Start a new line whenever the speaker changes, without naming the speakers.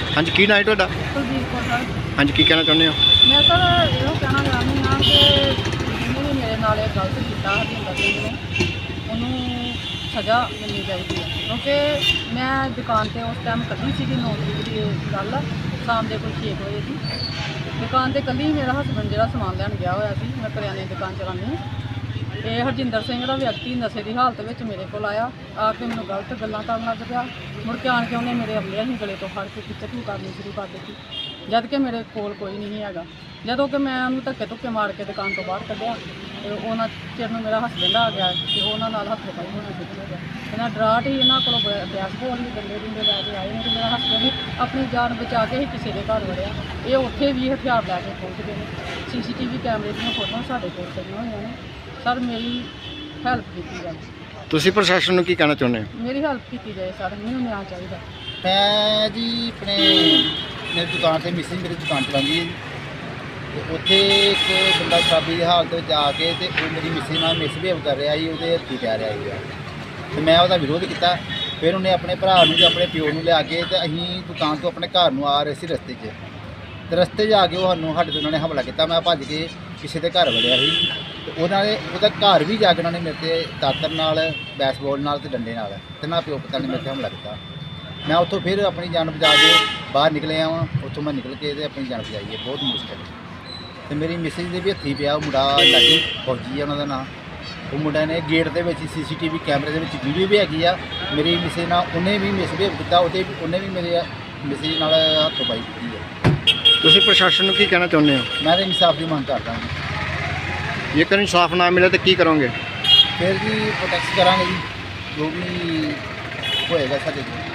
ਹਾਂਜੀ ਕੀ ਨਾਂ ਹੈ ਤੁਹਾਡਾ?
ਕੁਲਦੀਪ ਕੌਰ ਸਰ।
ਹਾਂਜੀ ਕੀ ਕਹਿਣਾ ਚਾਹੁੰਦੇ ਹੋ?
ਮੈਂ ਸਰ ਇਹੋ ਕਹਿਣਾ ਚਾਹੁੰਦੀ ਹਾਂ ਕਿ ਜਿਹਨੇ ਵੀ ਮੇਰੇ ਨਾਲ ਇਹ ਗਲਤ ਕੀਤਾ ਹਰਜਿੰਦਰ ਸਿੰਘ ਨੇ, ਉਹਨੂੰ ਸਜ਼ਾ ਮਿਲਣੀ ਚਾਹੀਦੀ ਹੈ। ਕਿਉਂਕਿ ਮੈਂ ਦੁਕਾਨ 'ਤੇ ਉਸ ਟਾਈਮ ਕੱਢੀ ਸੀਗੀ 9 ਤਰੀਕ ਦੀ ਇਹ ਗੱਲ, ਸ਼ਾਮ ਦੇ ਕੋਈ 6 ਵਜੇ ਦੀ ਦੁਕਾਨ 'ਤੇ ਕੱਲੀ ਮੇਰਾ ਹਸਬੈਂਡ ਜਿਹੜਾ ਸਮਾਨ ਲੈਣ ਗਿਆ ਹੋਇਆ ਸੀ। ਮੈਂ ਕਰਿਆਨੇ ਦੀ ਦੁਕਾਨ ਚਲਾਉਂਦੀ ਹਾਂ। ਇਹ ਹਰਜਿੰਦਰ ਸਿੰਘ ਦਾ ਵਿਅਕਤੀ ਨਸ਼ੇ ਦੀ ਹਾਲਤ ਵਿੱਚ ਮੇਰੇ ਕੋਲ ਆ ਕੇ ਮੈਨੂੰ ਗਲਤ ਗੱਲਾਂ ਕਰਨ ਲੱਗ ਪਿਆ। ਮੁੜ ਕੇ ਆਣ ਕੇ ਉਹਨੇ ਮੇਰੇ ਅਗਲੇ ਹੀ ਗਲੇ ਤੋਂ ਫੜ ਕੇ ਖਿੱਚੂ ਕਰਨੀ ਸ਼ੁਰੂ ਕਰ ਦਿੱਤੀ, ਜਦ ਕਿ ਮੇਰੇ ਕੋਲ ਕੋਈ ਨਹੀਂ ਹੈਗਾ। ਜਦੋਂ ਕਿ ਮੈਂ ਉਹਨੂੰ ਧੱਕੇ ਮਾਰ ਕੇ ਦੁਕਾਨ ਤੋਂ ਬਾਹਰ ਕੱਢਿਆ ਤੇ ਉਹਨਾਂ ਚਿਰ ਨੂੰ ਮੇਰਾ ਹਸਬੈਂਡ ਆ ਗਿਆ ਤੇ ਉਹਨਾਂ ਨਾਲ ਹੱਥ ਪਾਈ ਹੋਣਾ ਸ਼ੁਰੂ ਹੋ ਗਿਆ। ਇਹਨਾਂ ਡਰਾਟ ਹੀ ਇਹਨਾਂ ਕੋਲੋਂ ਬਿਆਸ ਬੋਲ ਵੀ ਡੰਡੇ ਲੈ ਕੇ ਆਏ ਨੇ ਤੇ ਮੇਰਾ ਹਸਬੈਂਡ ਆਪਣੀ ਜਾਨ ਬਚਾ ਕੇ ਹੀ ਕਿਸੇ ਦੇ ਘਰ ਵੜਿਆ। ਇਹ ਉੱਥੇ ਵੀ ਹਥਿਆਰ ਲੈ ਕੇ ਪਹੁੰਚ ਗਏ ਨੇ। ਸੀਸੀਟੀਵੀ ਕੈਮਰੇ ਦੀਆਂ ਫੋਟੋਆਂ ਸਾਡੇ ਕੋਲ ਪਈਆਂ ਹੋਈਆਂ ਨੇ। ਸਰ ਮੇਰੀ ਹੈਲਪ ਕੀਤੀ ਜਾਏ।
ਤੁਸੀਂ ਪ੍ਰਸ਼ਾਸਨ ਨੂੰ ਕੀ ਕਹਿਣਾ ਚਾਹੁੰਦੇ ਹੋ?
ਮੇਰੀ ਹੈਲਪ ਕੀਤੀ ਜਾਏ ਸਰ, ਮੈਨੂੰ ਨਿਆਂ ਚਾਹੀਦਾ।
ਮੈਂ ਜੀ ਆਪਣੇ ਮੇਰੀ ਦੁਕਾਨ 'ਤੇ ਮਿਸਿੰਗ ਮੇਰੀ ਦੁਕਾਨ ਚਲਾਉਂਦੀ ਹੈ ਜੀ, ਅਤੇ ਉੱਥੇ ਇੱਕ ਬੰਦਾ ਸ਼ਰਾਬੀ ਦੀ ਹਾਲਤ ਵਿੱਚ ਆ ਕੇ ਤੇ ਉਹ ਮੇਰੀ ਮਿਸਿੰਗ ਨਾਲ ਮਿਸਬਿਹੇਵ ਕਰ ਰਿਹਾ ਸੀ, ਉਹਦੇ ਹੱਥੀਂ ਪੈ ਰਿਹਾ ਸੀਗਾ ਅਤੇ ਮੈਂ ਉਹਦਾ ਵਿਰੋਧ ਕੀਤਾ। ਫਿਰ ਉਹਨੇ ਆਪਣੇ ਭਰਾ ਨੂੰ ਤੇ ਆਪਣੇ ਪਿਓ ਨੂੰ ਲਿਆ ਕੇ ਤੇ ਅਸੀਂ ਦੁਕਾਨ ਤੋਂ ਆਪਣੇ ਘਰ ਨੂੰ ਆ ਰਹੇ ਸੀ ਰਸਤੇ 'ਚ, ਅਤੇ ਰਸਤੇ 'ਚ ਆ ਕੇ ਸਾਡੇ 'ਤੇ ਉਹਨਾਂ ਨੇ ਹਮਲਾ ਕੀਤਾ। ਮੈਂ ਭੱਜ ਕੇ ਕਿਸੇ ਦੇ ਘਰ ਵੜਿਆ ਸੀ ਤੇ ਉਹਨਾਂ ਨੇ ਉਹਦਾ ਘਰ ਵੀ ਜਾ ਕੇ ਉਹਨਾਂ ਨੇ ਮੇਰੇ 'ਤੇ ਦਾਤਰ ਨਾਲ, ਬੈਸਬਾਲ ਨਾਲ ਤੇ ਡੰਡੇ ਨਾਲ ਤੇ ਨਾ ਪਿਓ ਪੁੱਤਾਂ ਨੇ ਮੇਰੇ 'ਤੇ ਹਮਲਾ ਕੀਤਾ। ਮੈਂ ਉੱਥੋਂ ਫਿਰ ਆਪਣੀ ਜਾਨ ਬਚਾ ਕੇ ਬਾਹਰ ਨਿਕਲਿਆ ਵਾਂ। ਉੱਥੋਂ ਮੈਂ ਨਿਕਲ ਕੇ ਤੇ ਆਪਣੀ ਜਾਨ ਬਚਾਈ ਹੈ, ਬਹੁਤ ਮੁਸ਼ਕਿਲ ਅਤੇ ਮੇਰੀ ਮਿਸਿਸ ਦੇ ਵੀ ਹੱਥੀਂ ਪਿਆ। ਉਹ ਮੁੰਡਾ ਲਾਡੀ ਫੌਜੀ ਹੈ ਉਹਨਾਂ ਦਾ ਨਾਂ। ਉਹ ਮੁੰਡਾ ਨੇ ਗੇਟ ਦੇ ਵਿੱਚ CCTV ਕੈਮਰੇ ਦੇ ਵਿੱਚ ਵੀਡੀਓ ਵੀ ਹੈਗੀ ਆ। ਮੇਰੀ ਮਿਸਿਸ ਨਾਲ ਉਹਨੇ ਵੀ ਮਿਸਬਿਹੇਵ ਕੀਤਾ, ਉਹਨੇ ਵੀ ਮੇਰੇ ਮਿਸਿਸ ਨਾਲ ਹੱਥੋਂ ਪਾਈ ਕੀਤੀ ਹੈ।
ਤੁਸੀਂ ਪ੍ਰਸ਼ਾਸਨ ਨੂੰ ਕੀ ਕਹਿਣਾ ਚਾਹੁੰਦੇ ਹੋ?
ਮੈਂ ਤਾਂ ਇਨਸਾਫ ਦੀ ਮੰਗ ਕਰਦਾ ਹਾਂ।
ਜੇਕਰ ਇਨਸਾਫ ਨਾ ਮਿਲੇ ਤਾਂ ਕੀ ਕਰੋਗੇ?
ਫਿਰ ਜੀ ਪ੍ਰੋਟੈਕਟ ਕਰਾਂਗੇ ਜੀ, ਜੋ ਵੀ ਹੋਏਗਾ ਸਾਡੇ ਕੋਲ।